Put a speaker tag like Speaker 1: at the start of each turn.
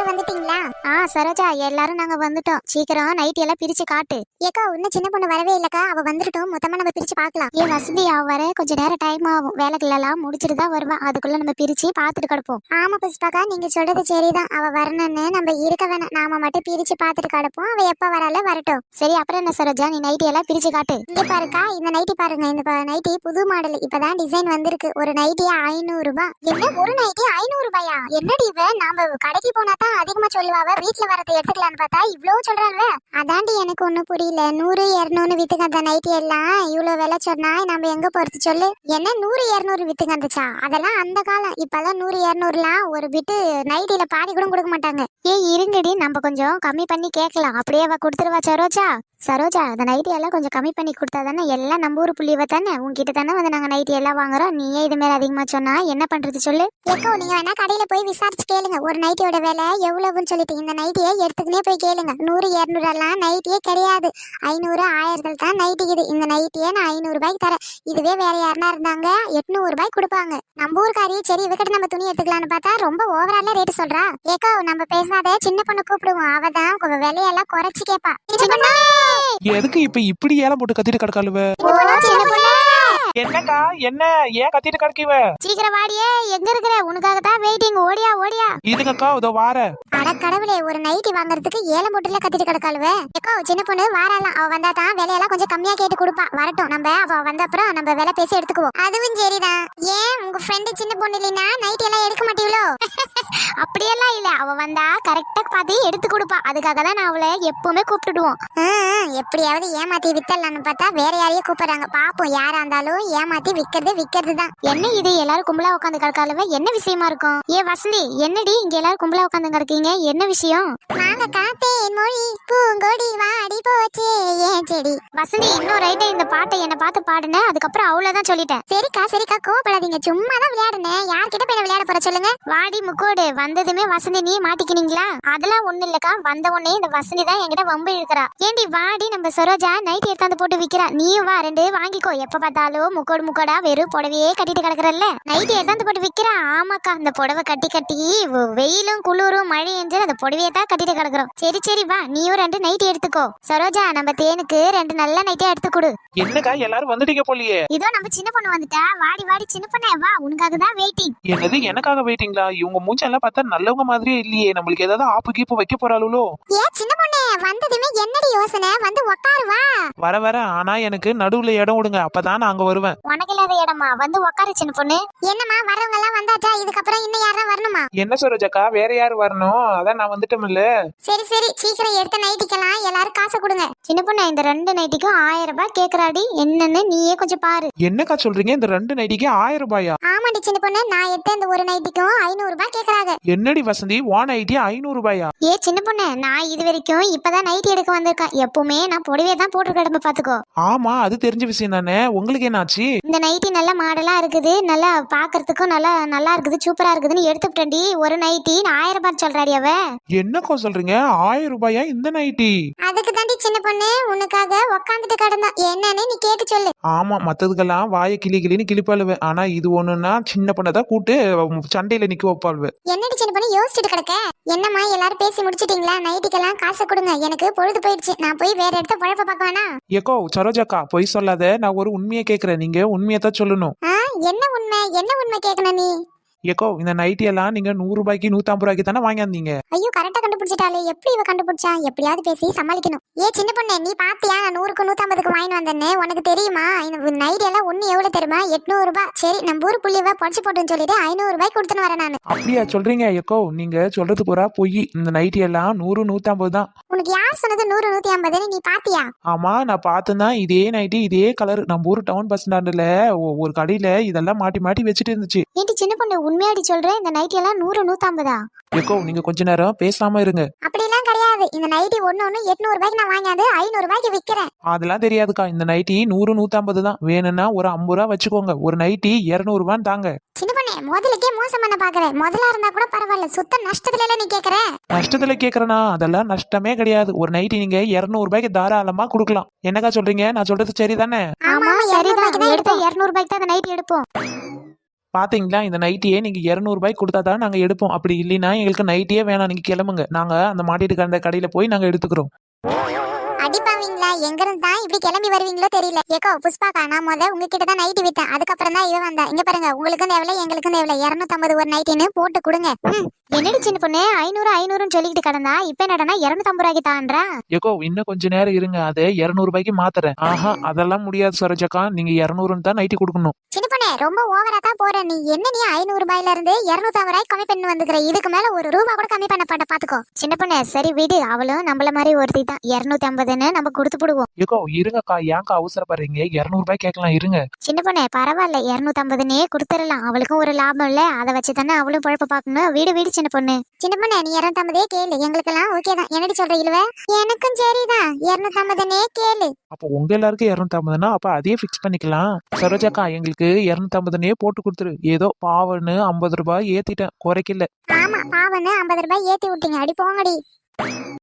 Speaker 1: வந்துட்டீங்களா?
Speaker 2: சரோஜா, எல்லாரும் நாங்க வந்துட்டோம். சீக்கிரம் நைட் எல்லாம் பிரிச்சு காட்டு.
Speaker 1: ஏக்கா இன்னும் சின்ன பொண்ணு வரவே இல்லக்கா. அவ வந்துட்டோம், மொத்தமா நம்ம பிரிச்சு பார்க்கலாம்.
Speaker 2: ஏன் வசந்தி, அவ வர கொஞ்சம் நேரம் டைம் ஆகும். வேலைகள் எல்லாம் முடிச்சிட்டு தான் வருவா. அதுக்குள்ள நம்ம பிரிச்சு பாத்துட்டு கிடப்போம்.
Speaker 1: ஆமா புஷ்பாக்கா, நீங்க சொல்றது சரிதான். அவ வரணும்னு நம்ம இருக்க வேணாம், நாம மட்டும் பிரிச்சு பார்த்துட்டு கிடப்போம். அவ எப்ப வரால வரட்டும்.
Speaker 2: சரி, அப்புறம் என்ன சரோஜா, நீ நைட் எல்லாம் பிரிச்சு காட்டு.
Speaker 1: இங்க பாருக்கா, இந்த நைட்டி பாருங்க. இந்த நைட்டி புது மாடல், இப்பதான் டிசைன் வந்திருக்கு. ஒரு நைட்டி 500 ரூபாய். என்ன ஒரு நைட்டி 500 ரூபாயா? என்னடி இவ, நாம கடைக்கு போனா தான் அதிகமா சொல்லுவாவ, வீட்டுல வரதை எடுத்துக்கலான்னு பார்த்தா இவ்வளவு சொல்றாங்க. அதாண்டி எனக்கு ஒண்ணும் புரியல. 100 200 வித்துக்கு அந்த நைட்டி எல்லாம் இவ்வளவு விலை சொன்னா நம்ம எங்க போறது சொல்லு? என்ன 100 200 வித்துக்கு வந்துச்சா? அதெல்லாம் அந்த காலம். இப்பெல்லாம் 100 200லாம் ஒரு பிட்டு நைட்டில பாதி கூட கொடுக்க மாட்டாங்க.
Speaker 2: இருங்கடி, நம்ம கொஞ்சம் கம்மி பண்ணி கேட்கலாம். அப்படியே அவ கொடுத்துருவா சரோஜா. சரோஜா, அந்த நைட்டி எல்லாம் கொஞ்சம் கம்மி பண்ணி கொடுத்தா தானே எல்லாம் நம்ம ஊர் புள்ளிவ தானே. உங்ககிட்ட தானே வந்து நாங்க நைட்டி எல்லாம் வாங்குறோம். நீயே இது மேல அதிகமா சொன்னா என்ன பண்றது சொல்லு?
Speaker 1: ஏக்கோ, நீங்க வேணா கடையில போய் விசாரிச்சு கேளுங்க, ஒரு நைட்டியோட விலை எவ்வளவுன்னு சொல்லிட்டு. இந்த நைட்டியை எடுத்துக்கினே போய் கேளுங்க. 100 200 எல்லாம் நைட்டியே கிடையாது. 500 1000 தான் நைட்டிக்குது. இந்த நைட்டியே நான் 500 ரூபாய்க்கு தரேன். இதுவே வேற யாருனா இருந்தாங்க 800 ரூபாய்க்கு கொடுப்பாங்க. நம்ம ஊருக்காரி சரி இவகிட்ட நம்ம துணி எடுத்துக்கலாம்னு பார்த்தா ரொம்ப ஓவரால ரேட் சொல்றா. ஏக்கோ, நம்ம பேசாத சின்ன பொண்ணு கூப்பிடுவோம். அவதான் விலையெல்லாம் குறைச்சு கேப்பா.
Speaker 3: எதுக்கு இப்ப இப்படி ஏலம் போட்டு கத்திட்டு கிடக்காளுவ? என்னக்கா, என்ன ஏன் கத்திட்டு கிடக்கிவ?
Speaker 2: சீக்கிரம் வாடியே, எங்க இருக்கிற? உனக்காக தான் வெயிட்டிங். ஓடியா ஓடியா.
Speaker 3: இதுக்கா இதோ வார.
Speaker 1: அட கடவுளே, ஒரு நைட்டி வாங்குறதுக்கு ஏலம் போட்டுல கத்திட்டு கிடக்காளுவ. ஏக்கோ, சின்ன பொண்ணு வாரலாம். அவ வந்தா தான் விலையெல்லாம் கொஞ்சம் கம்மியா கேட்டு கொடுப்பா. வரட்டும், நம்ம அவ வந்த அப்புறம் நம்ம விலை பேசி எடுத்துக்குவோம். அதுவும் சரிதான். ஏன் உங்க ஃப்ரெண்டு சின்ன பொண்ணு இல்லைன்னா நைட்டி எல்லாம் எடுக்க மாட்டீங்களோ?
Speaker 2: அப்படியெல்லாம் இல்ல, அவ வந்தா கரெக்டா பார்த்து எடுத்து கொடுப்பா. அதுக்காக தான் நான் அவளை எப்பவுமே கூப்பிட்டுடுவோம்.
Speaker 1: எப்படியாவது ஏமாத்தி வித்தரலான்னு பார்த்தா வேற யாரையும் கூப்பிடுறாங்க. பாப்போம், யாரா இருந்தாலும் ஏமாத்தி விக்கிறது தான்.
Speaker 2: என்ன இது, எல்லாரும் கும்பலா உட்காந்து கிடக்காலவ? என்ன விஷயமா இருக்கும்? வசந்தி, என்னடி இங்க எல்லாரும் கும்பலா உட்காந்து கிடக்கீங்க? என்ன விஷயம்?
Speaker 1: நாங்க காத்தேன் மொழி பூங்கொடி வாடி போச்சே ஏன் செடி.
Speaker 2: வசந்தி, இன்னும் ரைட்டா இந்த பாட்டை என்ன பார்த்து பாடுன. அதுக்கப்புறம் அவ்வளவுதான் சொல்லிட்டேன்.
Speaker 1: சரிக்கா கோவப்படாதீங்க. சும்மா தான் விளையாடுனேன். யார்கிட்ட போய் விளையாட போற சொல்லுங்க?
Speaker 2: வாடி முக்கோடு, வந்ததுமே வசந்தி நீ மாட்டிக்கினீங்களா? அதெல்லாம் ஒண்ணு இல்லக்கா. வந்த உடனே இந்த வசந்தி தான் என்கிட்ட வம்பு இழுக்கிறா. ஏண்டி வாடி, நம்ம சரோஜா நைட் எடுத்தாந்து போட்டு விக்கிறா. நீயும் வா, 2 வாங்கிக்கோ. எப்ப பார்த்தாலும் முக்கோடா வெறும் புடவையே கட்டிட்டு கிடக்குறல்ல, நைட் எடுத்தாந்து போட்டு விக்கிறா. ஆமாக்கா, அந்த புடவை கட்டி வெயிலும் குளிரும் மழை என்று அந்த புடவையே தான் கட்டிட்டு கிடக்குறோம். சரி வா, நீயும் 2 நைட் எடுத்துக்கோ. சரோஜா, நம்ம தேனுக்கு 2 நல்ல நைட்டே எடுத்து கொடு.
Speaker 3: என்னக்கா எல்லாரும் வந்துட்டீங்க போலியே?
Speaker 2: இதோ நம்ம சின்ன பொண்ணு வந்துட்டா. வாடி சின்ன பொண்ணே வா, உனக்காக தான் வெயிட்டிங்.
Speaker 3: என்னது, எனக்காக வெயிட்டிங்களா? இவங்க மூஞ்செல்லாம் பார்த்தா நல்லவங்க மாதிரியே இல்லையே. நம்மளுக்கு ஏதாவது ஆப்பு கீப்பு வைக்க போறாளோ?
Speaker 1: சின்ன பொண்ணே, வந்ததுமே என்னடி யோசனை? வந்து உட்காரு வா.
Speaker 3: வர ஆனா எனக்கு நடுவுல இடம் விடுங்க, அப்பதான் நான் அங்க வருவேன்.
Speaker 2: உனக்கு இல்லாத இடமா? வந்து உட்காரு சின்ன பொண்ணு.
Speaker 1: என்னம்மா, வரவங்க எல்லாம் வந்தாச்சா? இதுக்கப்புறம் இன்னும் யாரும் வரணுமா?
Speaker 3: என்ன சரோஜாக்கா, வேற யாரு வரணும்? அதான் நான் வந்துட்டோம்ல.
Speaker 1: சரி சீக்கிரம் எடுத்த நைட்டிக்கலாம் எல்லாரும் காசு கொடுங்க.
Speaker 2: சின்ன பொண்ணு, இந்த 2 நைட்டிக்கும் 1000 ரூபாய் கேக்குறாடி. என்னன்னு நீயே கொஞ்சம் பாரு.
Speaker 3: என்னக்கா சொல்றீங்க? இந்த 2 நைட்டிக்கு 1000 ரூபாயா?
Speaker 1: ஆமாடி சின்ன பொண்ணு, நான் எடுத்த இந்த ஒரு நைட்டிக்கும் 500 ரூபாய் கேக்குறாங்க.
Speaker 3: என்னடி வசந்தி, 1 நைட்டி 500 ரூபாயா?
Speaker 2: சின்ன பொண்ணு, நான் இது வரைக்கும் இப்பதான் நைட்டி எடுக்க வந்திருக்கேன். எப்பவுமே நான் புடவையே தான் போட்டு கிடம்ப பாத்துக்கோ.
Speaker 3: ஆமா, அது தெரிஞ்ச விஷயம் தானே. உங்களுக்கு என்னாச்சு?
Speaker 2: இந்த நைட்டி நல்ல மாடலா இருக்குது, நல்லா பாக்குறதுக்கும் நல்லா இருக்குது, சூப்பரா இருக்குதுன்னு எடுத்துட்டேன்டி. ஒரு நைட்டி 1000 ரூபாய் சொல்றாடி அவ.
Speaker 3: என்னக்கா சொல்றீங்க? 1000 ரூபாயா இந்த நைட்டி?
Speaker 1: அதுக்கு தாண்டி சின்ன பொண்ணு உனக்காக உட்காந்துட்டு கிடந்தா. என்னன்னு நீ கேட்டு சொல்லு.
Speaker 3: ஆமா, மத்ததுக்கெல்லாம் வாய கிளின்னு கிளிப்பாளுவ. ஆனா இது ஒண்ணுன்னா சின்ன பொண்ணதான் கூட்டு சண்டையில நிக்க வைப்பாளுவ.
Speaker 1: என்னடி சின்ன பொண்ணு யோசிச்சுட்டு கிடக்க? என்னம்மா, எல்லாரும் பேசி முடிச்சிட்டீங்களா? நைட்டுக்கெல்லாம் காசு கொடுங்க. எனக்கு பொழுது போயிடுச்சு. நான் போய் வேற இடத்த பழப்ப பார்க்க வேணா?
Speaker 3: ஏக்கோ சரோஜாக்கா, பொய் சொல்லாத. நான் ஒரு உண்மையை கேக்குறேன், நீங்க உண்மையை தான் சொல்லணும்.
Speaker 1: என்ன உண்மை கேட்கணும் நீ?
Speaker 3: ஏக்கோ, இந்த நைட்டி எல்லாம் நீங்க 100 ரூபாய்க்கு 150 ரூபாய்க்கு தானே வாங்கியிருந்தீங்க.
Speaker 1: ஐயோ, கரெக்டா கண்டுபிடிச்சிட்டாலே. எப்படி இவ கண்டுபிடிச்சா? எப்படியாவது பேசி சமாளிக்கணும். சின்ன பொண்ணு, நீ பாத்தியா நான் 100க்கு 150க்கு வாங்கி வந்தேன்னு? உனக்கு தெரியுமா? இந்த நைட்டி எல்லாம் ஒண்ணு எவ்வளவு தெரியுமா? 800 ரூபாய். சரி, நம்ம ஊர் புள்ளிவ படிச்சு போட்டுன்னு சொல்லிட்டு 500 ரூபாய்க்கு கொடுத்துன்னு வரேன் நானு.
Speaker 3: அப்படியா சொல்றீங்க? ஏக்கோ, நீங்க சொல்றது பூரா பொய். இந்த நைட்டி எல்லாம் 100 150 தான்.
Speaker 1: உனக்கு யார் சொன்னது 100 150? நீ பாத்தியா?
Speaker 3: ஆமா, நான் பார்த்தேன். இதே நைட்டி இதே கலர் நம்ம ஊர் டவுன் பஸ் ஸ்டாண்டுல ஒரு கடையில இதெல்லாம் மாட்டி வச்சுட்டு இருந்துச்சு.
Speaker 2: ஏண்டி சின்ன பொண்ணு, உண்மையாடி சொல்றேன்? இந்த நைட்டி எல்லாம் 100 150?
Speaker 3: ஏக்கோ, நீங்க கொஞ்ச நேரம் பேசாம இருங்க.
Speaker 1: அப்படிலாம் கிடையாது. இந்த நைட்டி ஒண்ணு 800 ரூபாய்க்கு நான் வாங்கினது 500 ரூபாய்க்கு விக்கிறேன்.
Speaker 3: அதெல்லாம் தெரியாதுக்கா. இந்த நைட்டி 100 150 தான். வேணும்னா ஒரு 50 ரூபா வச்சுக்கோங்க. ஒரு நைட்டி 200 ரூபான்னு தாங்க.
Speaker 1: சின்ன பொண்ணே, முதலுக்கே மோசம் பண்ண பாக்குறேன். முதலா இருந்தா கூட பரவாயில்ல, சுத்த நஷ்டத்துல எல்லாம் நீ கேக்குற.
Speaker 3: நஷ்டத்துல கேக்குறனா? அதெல்லாம் நஷ்டமே கிடையாது. ஒரு நைட்டி நீங்க 200 ரூபாய்க்கு தாராளமா கொடுக்கலாம். என்னக்கா சொல்றீங்க? நான் சொல்றது சரிதானே?
Speaker 2: ஆமா சரிதான். எடுத்த 200 ரூபாய்க்கு தான் அந்த நைட்டி எடுப்போம்.
Speaker 3: பாத்தீங்களா இந்த நைட்டியே நீங்க 200 ரூபாய்க்கு கொடுத்தா தான் நாங்க எடுப்போம். அப்படி இல்லைன்னா எங்களுக்கு நைட்டியே வேணாம், நீங்க கிளம்புங்க. நாங்க அந்த மாட்டிட்டு அந்த கடையில போய் நாங்க எடுத்துக்கிறோம்.
Speaker 1: அடிப்பாவீங்களா? எங்க இருந்து தான் இப்படி கிளம்பி வருவீங்களோ தெரியல. ஏக்கோ புஷ்பாக்கா, நான் உங்ககிட்ட தான் நைட்டி வித்தேன். அதுக்கப்புறம் தான் இவ வந்தா. இங்க பாருங்க, உங்களுக்கும் தேவையில்ல எங்களுக்கும் தேவையில்ல. 250 ஒரு நைட்டின்னு போட்டு கொடுங்க.
Speaker 2: என்னடி சின்ன பொண்ணு 500 சொல்லிக்கிட்டு கிடந்தா இப்ப என்னடா 250 ரூபாய்க்கு தான்றா?
Speaker 3: ஏக்கோ இன்னும் கொஞ்ச நேரம் இருங்க, அதை 200 ரூபாய்க்கு மாத்துறேன். ஆஹா அதெல்லாம் முடியாது சரோஜாக்கா, நீங்க 200 தான் நைட்டி கொடுக்கணும்.
Speaker 1: சின்ன பொண்ணே, ரொம்ப ஓவரா தான் போற நீ. என்ன நீ 500 ரூபாயில இருந்து 250 ரூபாய்க்கு கம்மி பண்ணி வந்துக்கிற. இதுக்கு மேல ஒரு ரூபா கூட கம்மி பண்ண பாத்துக்கோ.
Speaker 2: சின்ன பொண்ணு சரி விடு, அவளும் நம்மள மாதிரி ஒருத்தி தான். 250ன்னு நம்ம கொடுத்து போடுவோம்.
Speaker 3: ஏக்கோ இருங்கக்கா, ஏன்க்கா அவசரப்படுறீங்க? 200 ரூபாய் கேட்கலாம், இருங்க.
Speaker 2: சின்ன பொண்ணு பரவாயில்ல, 250ன்னே கொடுத்துடலாம். அவளுக்கும் ஒரு லாபம் இல்ல, அதை வச்சு தானே அவளும் பொழப்ப பாக்கணும். வீடு வீடு சின்ன பொண்ணு.
Speaker 1: சின்ன பொண்ணே, நீ 250 கேளு. எங்களுக்கெல்லாம் ஓகே தான். என்னடி சொல்ற இழுவ? எனக்கும் சரிதான், 250 கேளு.
Speaker 3: அப்போ உங்க எல்லாருக்கும் 250னா அப்ப அதே ஃபிக்ஸ் பண்ணிக்கலாம். சரோஜாக்கா எங்களுக்கு 250 போட்டு கொடுத்துரு. ஏதோ பாவன்னு 50 ரூபாய் ஏத்திட்டேன், குறைக்கல.
Speaker 1: ஆமா, பாவன்னு 50 ரூபாய் ஏத்தி விட்டீங்க. அடி போங்கடி.